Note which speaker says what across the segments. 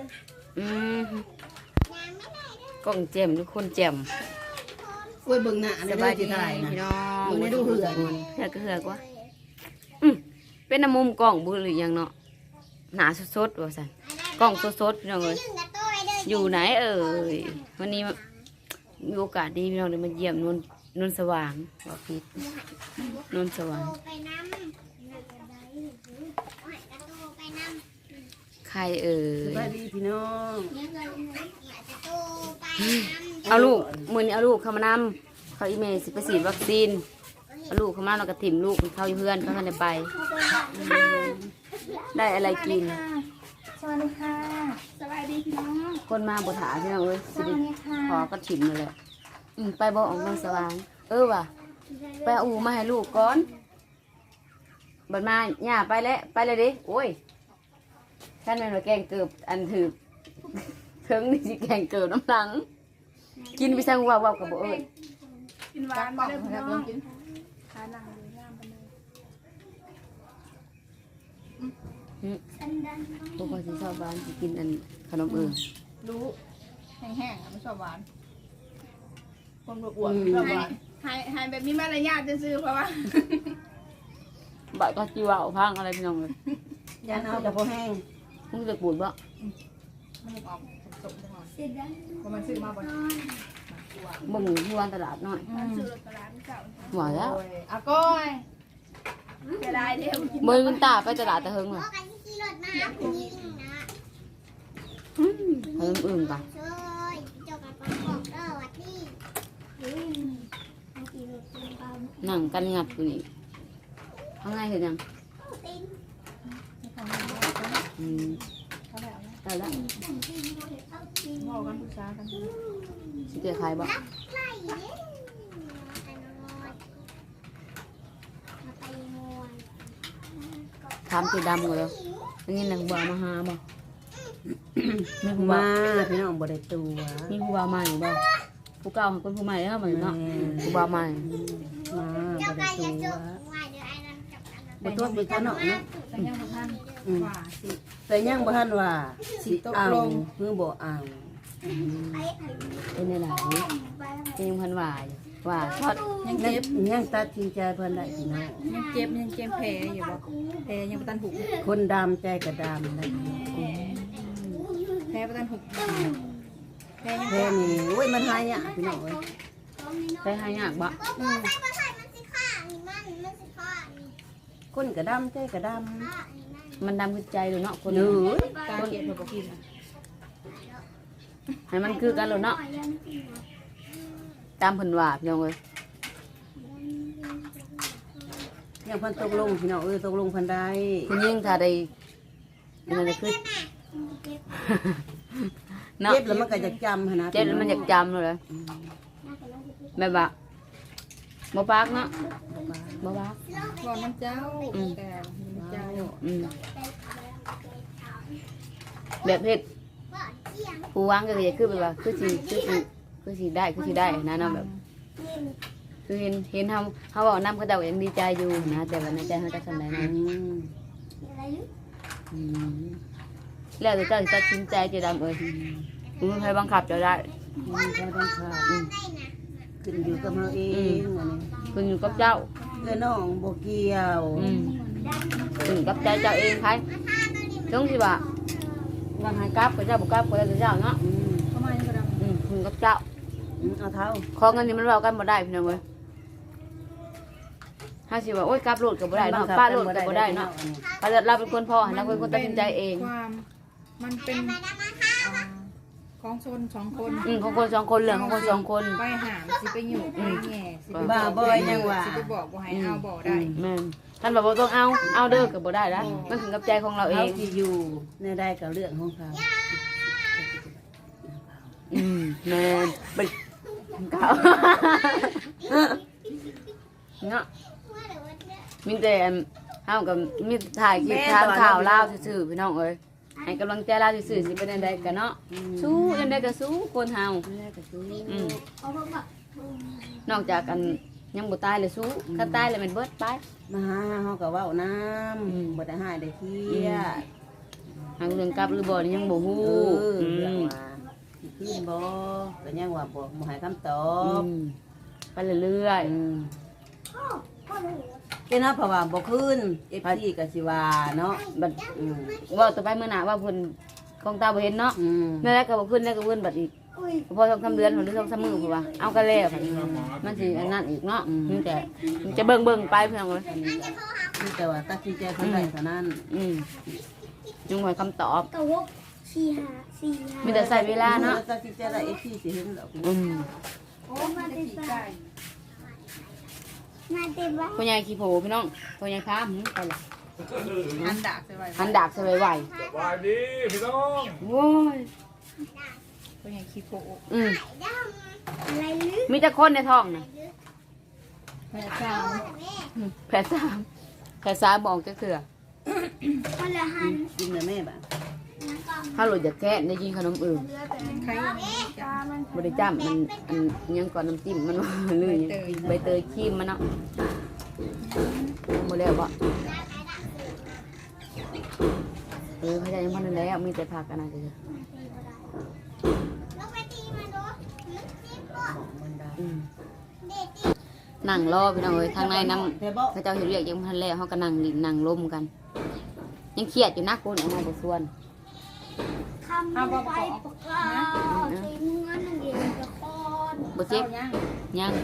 Speaker 1: อืมกล้องแจ่มทุกคนแจ่ม
Speaker 2: โอ้ยเบิ่งหน้า
Speaker 1: สบายดีพี่น้อง
Speaker 2: มึงได้ดูเหือก
Speaker 1: เหือกก็เหือกวะเป็นน้ำมุมกล้องบุหรือยังเนาะหนาสดๆว่าสันกล้องสดๆพี่น้องเลยอยู่ไหนเอ่ยวันนี้มีโอกาสดีพี่น้องเลยมาเยี่ยมนนสว่างบอกผิดนนสว่างใครเอ่ย
Speaker 2: สบายดีพี่น้อง
Speaker 1: เอาลูกมือนี้เอาลูกเข้ามานำเขาอีเมลสิไปฉีดวัคซีนเอาลูกเข้ามาเราก็ถิ่มลูกเขาอยู่เพื่อนเขาทันได้ไปได้อะไรกิน
Speaker 3: สวัสดีค่ะสวัสดีพี่น้อง
Speaker 1: คนมาบถาพี่น้องเอ้ยสิได้ขอก็ถิ่มเลยแหละไปบอกออกมาสว่างว่ะไปเอาอูมาให้ลูกก่อนบัดมาย่าไปแล้วไปเลยดิโอ้ยท่านเป็นว่าแกงเกือบอันถือเถิงนี่สิแกงเกือบน้ำหลังกินไปสั่งว่าวกับบ่เอ้ย
Speaker 3: กินหวานมาเด้อพี่น้องทานหนังเลยน้ำไปเลย
Speaker 1: พวกเขาสิชอบบ้านสิกินอันขนมเอิง
Speaker 3: รู้แห้งๆไม่ชอบหวานคนอวบๆชอบหวานหายแบบมีมารยาทจะซื้อเพราะว่า
Speaker 1: บ่ายก็จีว่าพังอะไรพี่น้องเลย
Speaker 2: ยานเอาจะพอแห้ง
Speaker 1: มึงจะปูดบ่
Speaker 3: มันออกสมๆจังหวะเพราะมันซื้อมาบ่อย
Speaker 1: บ่งที่วันตลาดหน่อย
Speaker 3: ซื้อตลาดเก่า
Speaker 1: หวานแล้ว
Speaker 3: อาก้อยจะได้เดียวกิน
Speaker 1: เมื่อวันตาไปตลาดตะเฮงเลยขนมเอิงปะนั่งกันงัดอยู่นี่ข้างในเห็นยังได้แล้ว
Speaker 3: บอกกันปรึกษากัน
Speaker 1: สิเกียขายบ่ถามสีดำก่อนเลยอันนี้นางบัวมาหาบ่มีผู้บ่า
Speaker 2: มาพี่น้องบ่ได้ตัว
Speaker 1: มีผู้บ่าวใหม่บ่ผู้เก่าของคนผู้ใหม่แล้วเหมือนเนาะผู้บ่าวใหม่
Speaker 2: มาบ่ได้ตัวบ่ตัวเป็นขนมนะ
Speaker 3: แต่ยังบ่ทันว่าสิ
Speaker 2: แต่ยังบ่ทันว่า
Speaker 3: สิตก
Speaker 2: เอา
Speaker 3: ลง
Speaker 2: คือบ่เอา
Speaker 1: เป็นในหลายยังพันวายว่าทอด
Speaker 3: ยังเจ็บ
Speaker 2: ยังตัดสินใจเพิ่นได้พี่น้อง
Speaker 3: ยังเจ็บแผลอยู่บ่แผลยังบ่ทันหุบ
Speaker 2: คนดำใจก็ดำได้
Speaker 3: แผลบ่ทันหุบแผลยัง
Speaker 2: แค่นี้โอ้ยมันหายากพี่น้องเอ้ย
Speaker 1: ไปหายากบ่
Speaker 2: คนก็ดำใจก็ด
Speaker 1: มันดำขึ้นใจเลยเนาะคน
Speaker 2: ำเด้อ
Speaker 3: ตาเกลียดบ่กิน
Speaker 1: ให้มันคือกันเลยเนาะตามเพิ่นว่าพี่น้องเอ้ย
Speaker 2: ยังเพิ่นตกลงพี่น้องเอ้ยตกลงเพิ่นได้
Speaker 1: คุณยิ่งถ้าได้เป็นอะไรคือเนาะ
Speaker 2: เจ็บแล้วมันก็จะจำหั่นนะ
Speaker 1: เจ็บแล้วมันอยากจำเลยแบบว่าบ่ปากเนาะบ่ปาก
Speaker 3: ก่อนน้ำเจ้าแต่น้ำเจ้า
Speaker 1: แบบเฮ็ดผู้วางก็จะคือแบบว่าคือสิได้นะเนาะแบบคือเห็นเฮาเว้านำเขาเจ้ายังดีใจอยู่นะแต่ว่าในใจเฮาจักซั่นใด
Speaker 2: อื
Speaker 1: นะ
Speaker 2: ม
Speaker 1: แล้วแต่เจ้าสิตัดสินใจจะดำเอ้ยมึงใครบังคับเจะได้
Speaker 2: มันก็ต้องขาดขึ้นอยู่กับเราเองอันนี้
Speaker 1: ขึ้นอยู่กับเจ้า
Speaker 2: เอ้ยน้องบ่เกี่ยว
Speaker 1: ขึ้นกับใจเจ้าเองใครถึงสิว่าวันให้กลับก็เจ้าบ่กลับก็แล้วแต่เจ้าเนาะ
Speaker 3: เข้ามายังกระดำ
Speaker 1: ขึ้นกับเจ้า
Speaker 2: เอาเท้า
Speaker 1: ของเงินนี่มันเว้ากันบ่ได้พี่น้องเอ้ยถ้าสิว่าโอ๊ยกลับรถก็บ่ได้เนาะป้ารถก็บ่ได้เนาะเพราะเราเป็นคนพ่อเราเป็นคนตัดสินใจเอง
Speaker 3: ความมันเป็นของชนสองคน
Speaker 1: ของคนสองคนเรื่องของคนสองคน
Speaker 3: ไปหามสิไปหยุดไปแง่สิไป
Speaker 2: บ้าบอยยังว่า
Speaker 3: สิไปบอกบ่ให้เอาบ่ได้
Speaker 1: แม่นท่านบอกว่าต้องเอาเด้อก็บ่ได้ละมันถึงกับใจของเราเอ
Speaker 2: เขา
Speaker 1: ง
Speaker 2: ที่อยู่ในได้กับเรื่องของเขา
Speaker 1: แม่นเป็นเก่าเนาะมีแต่เฮากับมีถ่ายคลิปทางข่าวลาวซื่อๆพี่น้องเอ้ยให้กำลังใจลาวซื่อๆสิเป็นจังไดกันเนาะสู้จังได๋ก็สู้คนเฮา
Speaker 2: แม่ก็ซื้อน
Speaker 1: อกจากกันยังบ่ตายเลยสู้ถ้าตายแล้วมันเบิดไป
Speaker 2: มาหาเขาก็เว้าน้ำบ่ได้หายได้เครียด
Speaker 1: หางเรื่องกลับหรือบ่นี่ยังบ่ฮู้
Speaker 2: เรื่องว่าสิขึ้นบ่ก็ยังว่าบ่ให้คำตอบ
Speaker 1: ไปเรื่อย
Speaker 2: เป็นเนาะเพราะว่าบ่ขึ้น FC ก็สิว่าเนาะ
Speaker 1: ๆบัดเว่าต่อไปมื้อหน้าว่าเพิ่นของตาบ่เห็นเนาะนั่นแหละก็บ่ขึ้นแล้วก็เพิ่นบัดอีกพอ2-3 เดือนหรือ2-3 มื้อพุ่นว่าเอากันแล้วบัดนี้มันสิอันนั้นอีกเนาะมันจะเบิ่งไปเพิ่นเอาเลย
Speaker 2: มีแต่ว่าตัดสินใจเท่าไหร่เท่านั้น
Speaker 1: ยังหอยคำตอบ
Speaker 4: กระวก4-5
Speaker 1: มีแต่ใส่เวลาเนาะ
Speaker 2: ตัดสินใจได้ FC สิเห็นดอก
Speaker 4: โอ้มาเต็มบ้านมาเต็มบ้าน
Speaker 1: พ่อใหญ่ขี้โผพี่น้องพ่อใหญ่ค้าไปละ
Speaker 3: อันดักใช่ไหม
Speaker 1: หันดาบใส่ไว
Speaker 5: สบายดีพี่น้อง
Speaker 1: ๆโว้ย
Speaker 3: เป็นอย่างคีโป
Speaker 4: อะไรลึก
Speaker 1: มีแต่คนในท้องนะ
Speaker 3: แม่สาว
Speaker 1: แผลสามบอกจะเถื่อ
Speaker 4: คนละหัน
Speaker 2: กินเด้อแม่บ่ะ
Speaker 1: ถ้าหลุดจากแก้ได้ยินขนมอื่น
Speaker 3: ใคร
Speaker 1: บริจ้ำมันอันยังก่อนน้ำจิ้มมันว่าลือใบเตยครีมมันเนาะหมดแล้วบ่พยายามพันนั้นแล้วมีแต่ผักกันนะเจ้า นั่งรอพี่น้องเอ้ยทางในน้ำ
Speaker 2: แต่บ่
Speaker 1: พระเจ้าเห็นเรียกยังพันแล้วเขาก็นั่งลิ้นนั่งลมกัน ยังเครียดอยู่นะคุณออกมาแต่ส่วน
Speaker 4: คำไปประกาศใช้เงินหนึ่งเดียวจะคอน
Speaker 1: บ่เจ็บยัง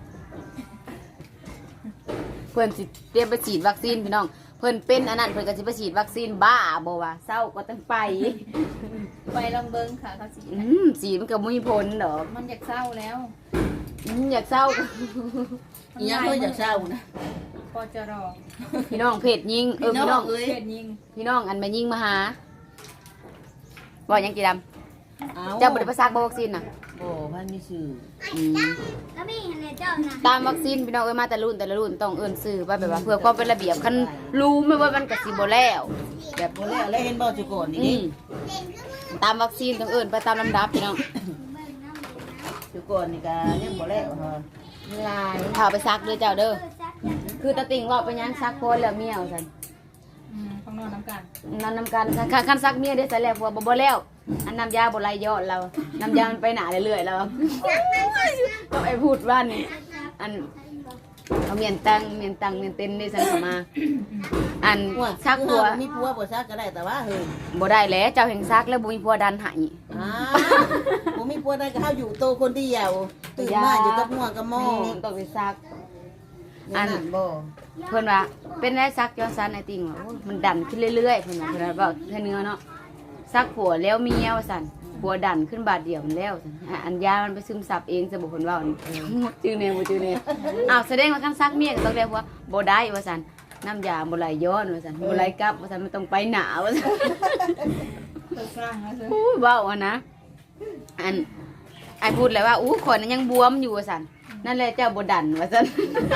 Speaker 1: เพื่อนสิเตรียมไปฉีดวัคซีนพี่น้องเพื่อนเป็นอันนั้นเพื่อนก็สิไปฉีดวัคซีนบ้าบ่วะเศร้าก็ต้องไป
Speaker 3: ไปลองเบิ้งค่ะเขาสี
Speaker 1: ฉีดมันก็ไม่มีผลดอก
Speaker 3: มันอยากเศร้าแล้ว
Speaker 1: อยากเศร้า
Speaker 2: อีหยังเพิ่นจะเศร้านะ
Speaker 3: พอจะรอ
Speaker 1: พี่น้องเพจยิงพี่น้อง
Speaker 2: เอ้ย
Speaker 3: เผ็ดยิง
Speaker 1: พี่น้องอันมายิงมาหาบอกยังกี่ด
Speaker 2: เอา
Speaker 1: ำเจ้าบริษัทวัคซีนน่ะ
Speaker 2: โอ้พันมีชื่อ
Speaker 4: แล้วมีอะไรเจ้านะ
Speaker 1: ตามวัคซีนพี่น้องเอ้ยมาแต่รุ่นต้องเอิ้นซื้อไปแบบว่าเพื่อความเป็นระเบียบคันรู้ไหม่ว่ามันกสิบ่แล้วแบบ
Speaker 2: บ่แล้วแล้วเห็นบ่จุก่อนนี่
Speaker 1: อื
Speaker 2: ดิ
Speaker 1: มตามวัคซีนต้องเอิ้นไปตามลำดับพี่น้อง
Speaker 2: จุก่อนนี่ก็ยังบ่แล้วฮะ
Speaker 1: ลายพาไปซักเด้อเจ้าเด้อคือตะติ่งว่าไปยังซักโคนแล้วเมียวซั่น
Speaker 3: ข้างนอกน้ำกัน
Speaker 1: นั่นนำกันคันซักเมียได้ใส่แล้วพวบ่แล้วอันน้ำยาบ่ไหลยอดเราน้ำยามันไปหนาเรื่อยๆแล้วก็ไอ้พูดว่านี่อันเอาเมียนตังเมียนเต้นนี่ซั่นเข้ามา อันซักผัว
Speaker 2: มีผัวบ่ซักก็ได้แต่ว่าเฮ้ย
Speaker 1: บ่ได้แล้วเจ้าแห่งซักแล้วบ่มีผัวดันให้
Speaker 2: บ่มีผัวได้ก็เฮาอยู่โตคนเดียวตื่นมาอยู่กับหัวกับหม้อ
Speaker 1: ต้องไปซัก
Speaker 2: อันบ่
Speaker 1: เพิ่นว่าเป็นไรซักย้อนซันไอ้ติ่งว่าโอ้ยมันดันขึ้นเรื่อยๆเพิ่นว่าเว้าแค่เนื้อเนาะซักผัวแล้วเมียว่าซั่นผัวดันขึ้นบาดเดียวมันแล้วซั่นอันยามันไปซึมซับเองซะบ่เพิ่นเว้านี่จื้อแน่บ่จื้อแน่อ้าวแสดงว่าคันซักเมียก็ต้องได้ผัวบ่ได้ว่าซั่นน้ำยาบ่ไหลย้อนว่าซั่นบ่ไหลกลับว่าซั่นมันต้องไปหนาว่าซั่น
Speaker 3: สร้างนะซื้อ
Speaker 1: อู้เว้าอ่ะนะอันไอ้พูดเลยว่าอู้ข่อยนั้นยังบวมอยู่ว่าซั่นนั่นแหละเจ้าบ่ดันว่าซั่น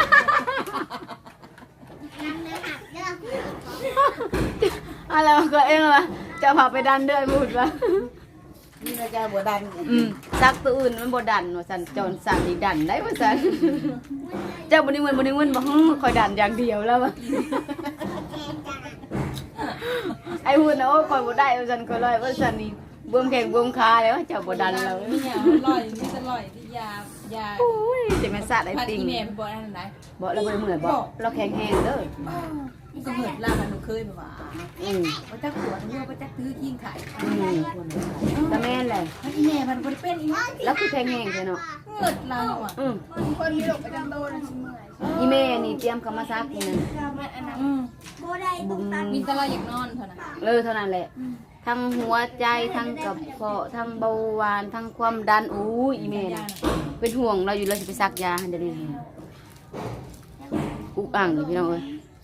Speaker 1: อะไรก็เองวะจะพาไปดันเด้อพูดว่า
Speaker 2: นี่นะจ๊ะบ่ดัน
Speaker 1: ซักตัวอื่นมันบ่ดันว่าซั่นจอนสั่งอีดันได้ว่าซั่นเจ้าบ่ได้เงินบ่คอยดันอย่างเดียวแล้วว่าไอ้พูดนะโอ้คอยบ่ได้ว่าซั่นคอยลอยว่าซั่นนี่บวมแข้งบวมขาแล้วเจ้าบ่ดันแล้ว
Speaker 3: มีอย่างอร่อยมีอร่อยที่ยา
Speaker 1: โอ้ยจะแม่นสัตว์ไอ้
Speaker 3: ผัด
Speaker 1: ติ่ง
Speaker 3: อีเมลบอกอันไหน
Speaker 1: บ่เราบ่ได้เหมือนบ่เราแข็งแรงเด้อ
Speaker 3: มันก็เหมือนล่ามันหนูเคยแบบว่า
Speaker 1: อืม
Speaker 3: ว่าจักหัวทั้งโยว่าจักซื้อยิงขาย
Speaker 1: ตะแม่นแหละ
Speaker 3: ผัดอีเมลมันบ่ได้เป็นอีก
Speaker 1: แล้วคือแข็งแรงใช่เนาะ
Speaker 3: เงิดเราอ่ะ
Speaker 4: คนมีโรคประจำตัวนะเมื่อย
Speaker 1: อีแม่นี่เตรียมเข้ามาซักนี่นะ
Speaker 4: อันนั้นโบได้ต้องตัด
Speaker 3: มีแต่เราอยากนอนเท่านั้น
Speaker 1: เท่านั้นแหละ ทั้งหัวใจทั้งกระเพาะทั้งเบาหวานทั้งความดันอู้ยอีเมลเป็นห่วงเราอยู่เราจะไปซักยาให้เดี๋ยวนี้อุกอ่างเลยพี่น้องเอ้ย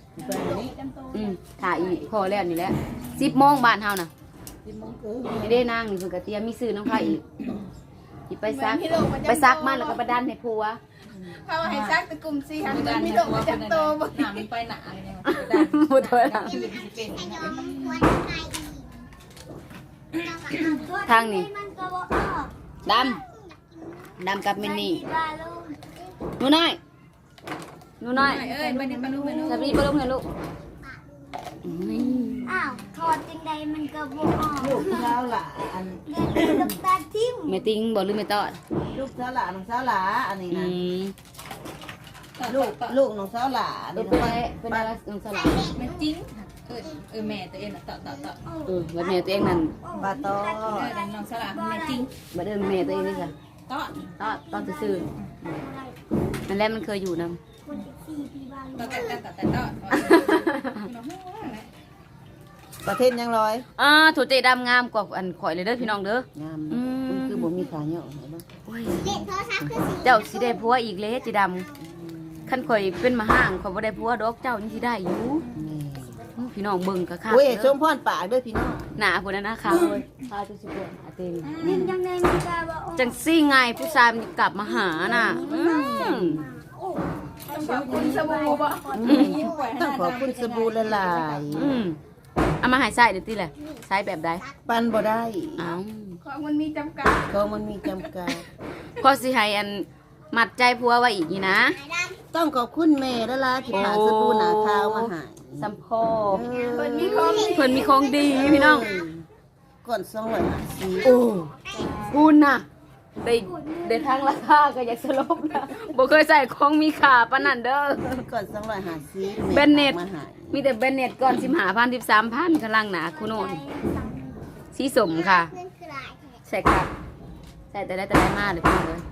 Speaker 1: ถ่ายอีกพอแล้วนี่แหละ10 โมงบ้านเฮาน่ะไม่ได้นางนี่เพิ่นก็เตรียมมีซื้อน้ำผ้าอีกสิไปซักมาแล้วก็ไปดันให้ผัว
Speaker 3: เขาให้ซักตะกุ่มสิค่ะมันมีโรคประจำตัวบ่หนามันไปหนาอะไรเนี่ย
Speaker 1: บ่เท่าไหร่ทางนี้
Speaker 4: มันก็บอกออก
Speaker 1: ดำกับมินนี่
Speaker 4: ว่าลูก
Speaker 1: หนูน้อยหนูน้อย
Speaker 3: เอ้ยไปนี่มาดู
Speaker 1: สวัสดีปะลุงเห็นลูก
Speaker 4: อ้าวเขาอดจังใดมันก็บ่ออก
Speaker 2: ลูกสาวหลาอัน
Speaker 4: เดินกับตาทิ่ม
Speaker 1: แม่ติ้งบ่หรือแม่ตอด
Speaker 2: ลูกสาวหลาน้องสาวหลาอันนี้
Speaker 1: อื
Speaker 2: นะ
Speaker 1: ม
Speaker 2: ลูกน้องสาวหลา
Speaker 1: เป็นอะไรน้องสลา
Speaker 3: แม่จริงแม่ตัวเองน่ะต่อ
Speaker 1: บัดแม่ตัวเองนั่น
Speaker 2: ปลาตอ
Speaker 3: ดันน้องสลาแม่จริง
Speaker 1: บัดเอิ้นแม่ตัวเองนี่ค่ะ
Speaker 3: ต่อ
Speaker 1: ตอนซื่อๆนั่นแหละมันเคยอยู่นํ
Speaker 4: คนที่สี่ปีบาง
Speaker 3: ต่อ
Speaker 2: ประเทศยังร้อย
Speaker 1: โถเจดำงามกว่าอันข่อยเลยเด้อพี่น้องเด้อ
Speaker 2: งาม
Speaker 1: อืม
Speaker 2: มันคือบ่มีขาเหยาะเห็นบ่
Speaker 1: โอ้ย
Speaker 4: เด็กโทรศัพท์คือสี
Speaker 1: เจ้าสิได้ผัวอีกเลยเจดำคันข่อยเป็นมาห้างข่อยบ่ได้ผัวดอกเจ้ายังสิได้อยู่
Speaker 2: นี่
Speaker 1: พี่น้องเบิ่งก็ค่ะ
Speaker 2: โอ้ยชมพรปากด้วยพี่น้อง
Speaker 1: หน้าพุ่นน่ะค่ะโอ้ยพาจุสิบ่อาเต็ม
Speaker 4: เด็กยังไงมันจะบ่ออก
Speaker 1: จังซี่ไงผู้ชายมันกลับมาหาน่ะ
Speaker 4: โอ้
Speaker 3: ต้องขอบคุณสบู่บ่
Speaker 2: ต้องขอบคุณสบู่ละลาย
Speaker 1: เอามาให้ใส่เดี๋ยวติแหละใช้แบบใด
Speaker 2: ปันบ่ได้
Speaker 1: อ้าว
Speaker 3: ของมันมีจำกัด
Speaker 2: ก็มันมีจำกัด
Speaker 1: พอสิให้อันมัดใจผัวไว้อีกนี่นะ
Speaker 2: ต้องขอบคุณแม่ละลายที่ผ่าสบู่หนาขาวมาให้
Speaker 1: สัมพ่อ
Speaker 3: เพิ่นมีของดี
Speaker 1: เพิ่นมีของดีพี่น้อง
Speaker 2: ก่อน250
Speaker 1: โอ้คุณน่ะได้ทางราคาก็อยากสลบแล้วบ่เคยใส่ของมีค่าปานนั้นเด้อ
Speaker 2: ก่อน250
Speaker 1: เบนเน็ต
Speaker 2: มาให้
Speaker 1: มีแต่เบนเน็ตก่อน15,000 13,000กำลังหนาคุณโน่นสีสมค่ะ
Speaker 4: เพื่อนคือหลายแท้
Speaker 1: ใช่ค่ะใช่แต่ได้มาเลยพี่น้องเลย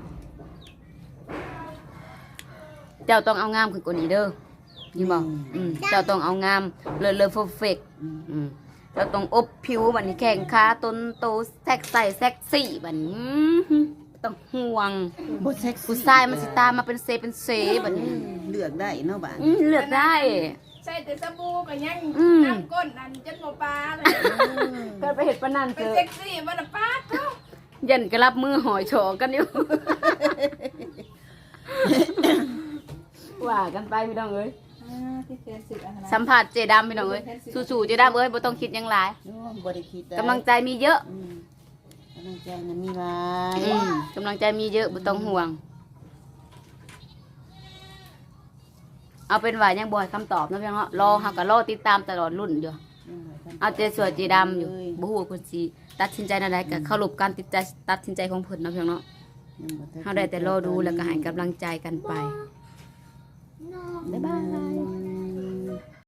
Speaker 1: เจ้าต้องเอางามคือกว่านี้เด้อยินบอกเจ้าต้องเอางามเลอเฟอร์เฟกเจ้าต้องอบผิวบัดนี้แข่งขาต้นโตแซกใส่แซกซี่บัดนี้ต้องห่วง
Speaker 2: บ่เซ็กซี่
Speaker 1: ผู้ชายมันสิตามมาเป็นเซบัดนี้
Speaker 2: เลือกได้เนาะบ้าน
Speaker 1: เลือกได้
Speaker 3: ใส่แต่สบู่ก็ยัง น้ำก้นอันจนหมอปลาเลย
Speaker 1: เกิดไปเห็ดปานนัน
Speaker 3: เป็
Speaker 1: เจ
Speaker 3: น
Speaker 1: อ
Speaker 3: เซ็กซี่มันน่ะป้าเท่า
Speaker 1: ยันกระลับมือหอยโฉกันอยู่ ว่ากันไปพี่น้องเอ้ย
Speaker 3: ที่เธอสื่ออะไร
Speaker 1: สัมผัสเจดำพี่น้องเอ้ยสู้ๆเจดำเอ้ยบ่ต้องคิดหยังหลาย
Speaker 2: บ่ได้คิดได้
Speaker 1: กำลังใจมีเยอะ
Speaker 2: กำลังใจมันมีหลาย
Speaker 1: กำลังใจมีเยอะบ่ต้องห่วง เอาเป็นว่ายังบ่ให้คำตอบนะพี่น้องเนาะรอเฮาก็รอติดตามตลอดรุ่นอยู่เอาเจสวยเจดำอยู่บ่ฮู้ว่าเพิ่นสิตัดสินใจแนวใดก็เคารพการตัดสินใจของเพิ่นเนาะพี่น้องเนาะเฮาได้แต่รอดูแล้วก็ให้กำลังใจกันไป
Speaker 4: น้อง
Speaker 1: บ๊ายบาย